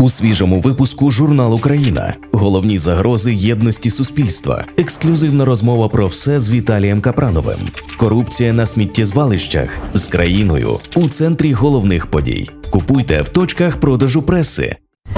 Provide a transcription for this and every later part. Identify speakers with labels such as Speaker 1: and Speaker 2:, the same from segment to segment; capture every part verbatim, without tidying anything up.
Speaker 1: У свіжому випуску «Журнал Україна». Головні загрози єдності суспільства. Ексклюзивна розмова про все з Віталієм Капрановим. Корупція на сміттєзвалищах з країною у центрі головних подій. Купуйте в точках продажу преси.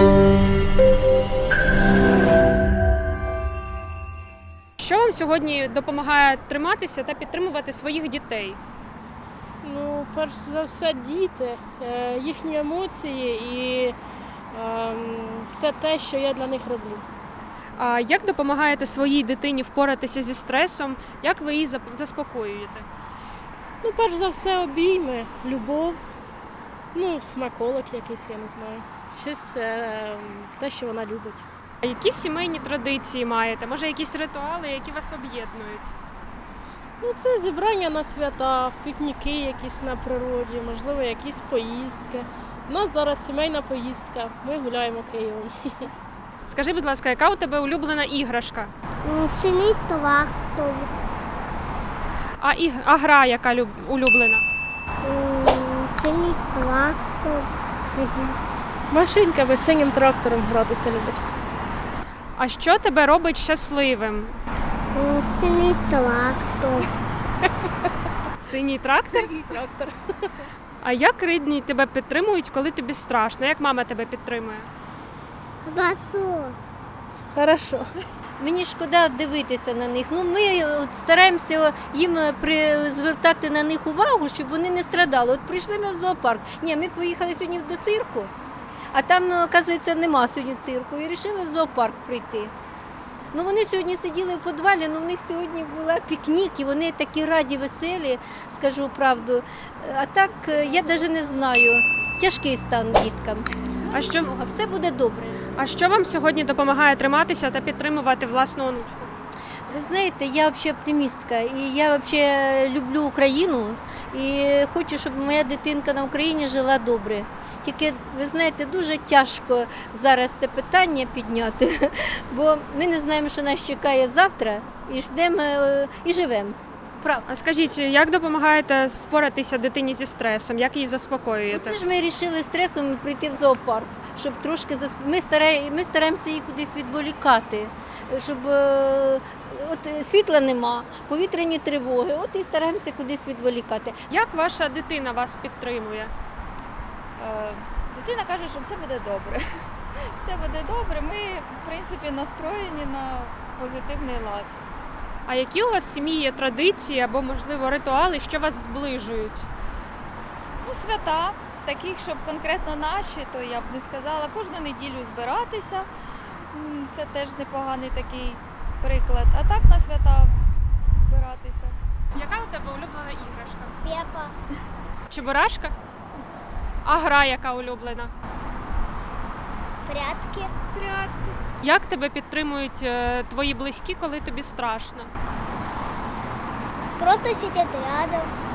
Speaker 2: Що вам сьогодні допомагає триматися та підтримувати своїх дітей?
Speaker 3: Ну, перш за все, діти, е, їхні емоції і е, все те, що я для них роблю.
Speaker 2: А як допомагаєте своїй дитині впоратися зі стресом? Як ви її зап- заспокоюєте?
Speaker 3: Ну, перш за все, обійми, любов, ну, смаколик якийсь, я не знаю. Щось е, те, що вона любить.
Speaker 2: А які сімейні традиції маєте? Може, якісь ритуали, які вас об'єднують?
Speaker 3: Ну, це зібрання на свята, пікніки якісь на природі, можливо, якісь поїздки. У нас зараз сімейна поїздка, ми гуляємо Києвом.
Speaker 2: Скажи, будь ласка, яка у тебе улюблена іграшка?
Speaker 4: М, Синій трактор,
Speaker 2: А, іг... а гра яка люб... улюблена?
Speaker 4: м, синій трактор,
Speaker 3: Машинками, синім трактором гратися любить.
Speaker 2: А що тебе робить щасливим?
Speaker 4: м, синій трактор,
Speaker 2: Синій трактор?
Speaker 3: Синій трактор.
Speaker 2: А як рідні тебе підтримують, коли тобі страшно? Як мама тебе підтримує?
Speaker 4: квасок.
Speaker 3: Хорошо.
Speaker 5: Мені шкода дивитися на них. Ну, ми от стараємося їм при... звертати на них увагу, щоб вони не страдали. От прийшли ми в зоопарк. Ні, ми поїхали сьогодні до цирку, а там, оказується, нема сьогодні цирку. І вирішили в зоопарк прийти. Ну, вони сьогодні сиділи в підвалі, ну, в них сьогодні була пікнік, і вони такі раді, веселі, скажу правду. А так, я навіть не знаю. Тяжкий стан діткам.
Speaker 2: А що,
Speaker 5: А все буде добре.
Speaker 2: а що вам сьогодні допомагає триматися та підтримувати власну онучку?
Speaker 5: Ви знаєте, я взагалі оптимістка, і я взагалі люблю Україну, і хочу, щоб моя дитинка на Україні жила добре. Тільки, ви знаєте, дуже тяжко зараз це питання підняти, бо ми не знаємо, що нас чекає завтра, і ждемо, е, і живемо. Правда.
Speaker 2: А скажіть, як допомагаєте впоратися дитині зі стресом? Як її заспокоюєте?
Speaker 5: Це ж ми вирішили стресом прийти в зоопарк, щоб трошки засп... ми, старає... ми стараємося її кудись відволікати, щоб е, от світла нема, повітряні тривоги, от і стараємося кудись відволікати.
Speaker 2: Як ваша дитина вас підтримує?
Speaker 6: Е, Дитина каже, що все буде добре. Все буде добре. Ми, в принципі, настроєні на позитивний лад.
Speaker 2: А які у вас в сім'ї є традиції або, можливо, ритуали, що вас зближують?
Speaker 6: Ну, свята, таких, щоб конкретно наші, то я б не сказала. Кожну неділю збиратися. М, Це теж непоганий такий приклад. А так на свята збиратися.
Speaker 2: Яка у тебе улюблена іграшка?
Speaker 4: Пепа,
Speaker 2: Чебурашка? А гра яка улюблена?
Speaker 4: прятки,
Speaker 6: Прятки.
Speaker 2: Як тебе підтримують е, твої близькі, коли тобі страшно?
Speaker 4: просто сидять рядом.